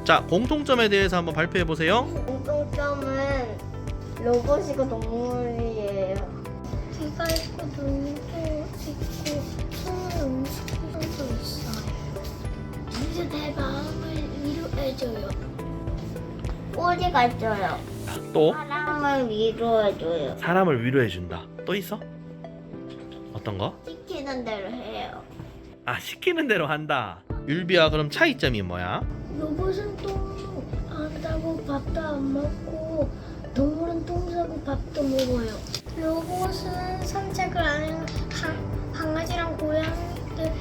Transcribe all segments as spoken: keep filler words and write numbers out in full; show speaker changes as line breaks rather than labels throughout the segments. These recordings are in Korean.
자, 공통점에 대해서 한번 발표해 보세요.
공통점은 로봇이고 동물이에요. 귀가 있고 눈도 있고 손을 움직이는 도 있어요. 진짜 내 마음을 위로해줘요. 꼬리가 있어요.
또
사람을 위로해줘요.
사람을 위로해 준다. 또 있어? 어떤 거?
시키는 대로 해요.
아, 시키는 대로 한다. 율비야, 그럼 차이점이 뭐야?
로봇은 똥 안 싸고 밥도 안 먹고 동물은 똥 싸고 밥도 먹어요. 로봇은 산책을 안 해요. 강, 강아지랑 고양이들은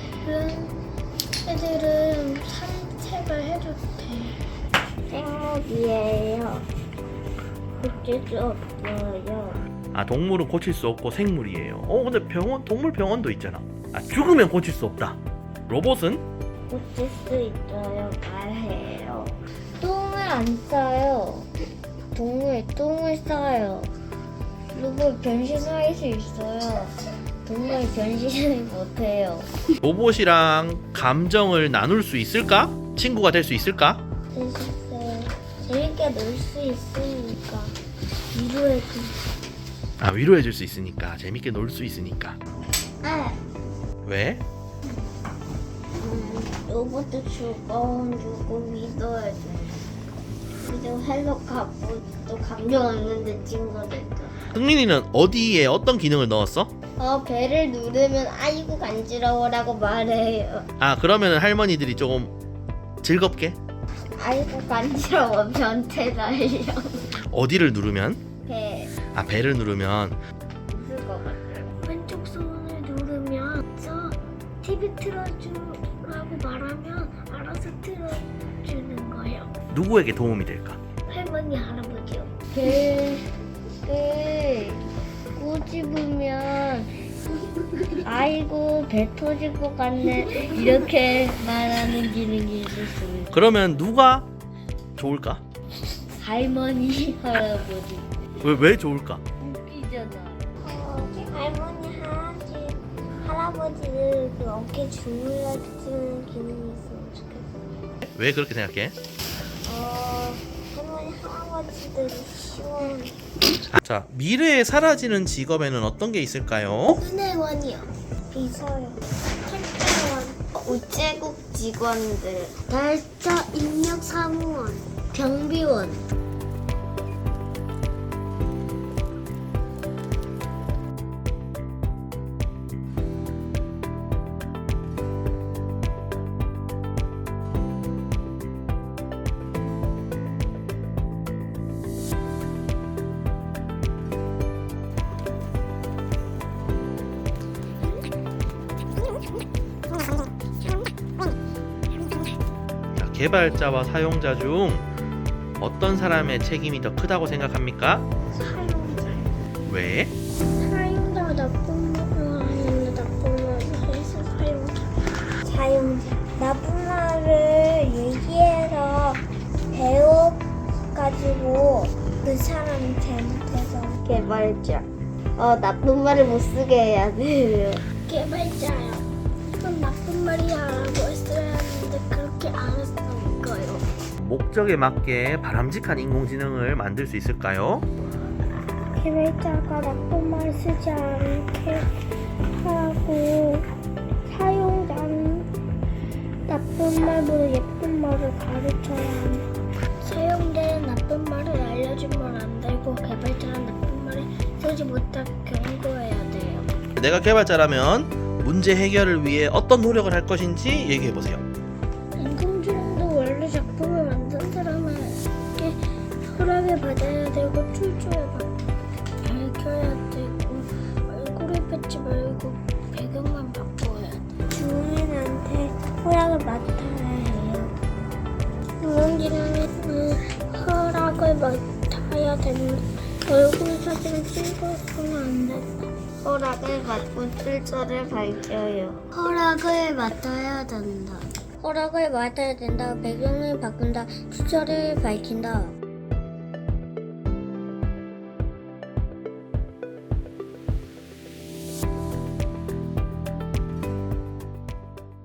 애들은 산책을 해도 돼. 생물이에요. 고칠 수 없어요.
아, 동물은 고칠 수 없고 생물이에요. 어, 근데 병원, 동물 병원도 있잖아. 아, 죽으면 고칠 수 없다. 로봇은?
고칠 수 있어요. 말해요. 똥을 안 싸요. 동물 똥을 싸요. 로봇 변신할 수 있어요. 동물 변신을 못해요.
로봇이랑 감정을 나눌 수 있을까? 친구가 될 수 있을까?
재밌어요. 재밌게 놀 수 있으니까 위로해줘.
아, 위로해 줄 수 있으니까. 재밌게 놀 수 있으니까.
아,
왜?
음, 로봇도 즐거운 주고 위로해줘. 그리고 헬로 가보도 감정 없는데 친구들도.
흥민이는 어디에 어떤 기능을 넣었어?
어, 배를 누르면 아이고 간지러워라고 말해요.
아, 그러면 할머니들이 조금 즐겁게?
아이고 간지러워 변태 날려.
어디를 누르면?
배
아, 배를 누르면.
웃을 것 같아요. 왼쪽 손을 누르면 저 티비 틀어주라고 말하면 알아서 틀어주는 거예요.
누구에게 도움이 될까?
할머니 할아버지요. 배를 꼬집으면 아이고 배 터질 것 같네 이렇게 말하는 기능이 있을 수 있어요.
그러면 누가 좋을까?
할머니 할아버지.
왜, 왜 좋을까?
웃기잖아. 어, 할머니 할아버지 할아버지를 그 어깨 주물러주는 기능이 있으면 좋겠어요.
왜 그렇게 생각해?
어, 할머니 할아버지들이 시원.
자, 미래에 사라지는 직업에는 어떤 게 있을까요?
은행원이요. 비서요. 택배원. 우체국 직원들. 날짜 입력 사무원. 경비원.
자, 개발자와 사용자 중 어떤 사람의 책임이 더 크다고 생각합니까?
사용자.
왜?
사용자가 나쁜 말을 하는데 나쁜 말을 해서 사용자. 사용자. 나쁜 말을 얘기해서 배워가지고 그 사람이 잘못해서. 개발자. 어, 나쁜 말을 못 쓰게 해야 돼요. 개발자요. 이건 나쁜 말이야라고 했어야 하는데 그렇게 안 했으니까요.
목적에 맞게 바람직한 인공지능을 만들 수 있을까요?
개발자가 나쁜 말 쓰지 않게 하고 사용자는 나쁜 말보다 예쁜 말을 가르쳐야 합니다. 사용자는 나쁜 말을 알려주면 안 되고 개발자는 나쁜 말을 쓰지 못하게 경고해야 돼요.
내가 개발자라면 문제 해결을 위해 어떤 노력을 할 것인지 얘기해 보세요.
인공지능도 원래 작품을 만든 사람에게 허락을 받아야 되고 출처에 밝혀야 되고 얼굴을 뺏지 말고 배경만 바꿔야 돼. 주인한테 허락을 맡아야 해요. 인공지능은 허락을 맡아야 됩니다. 얼굴 사진을 찍어서는 안 되고 허락을 받고 출처를 밝혀요. 허락을 맡아야 된다. 허락을 맡아야 된다. 배경을 바꾼다. 출처를 밝힌다.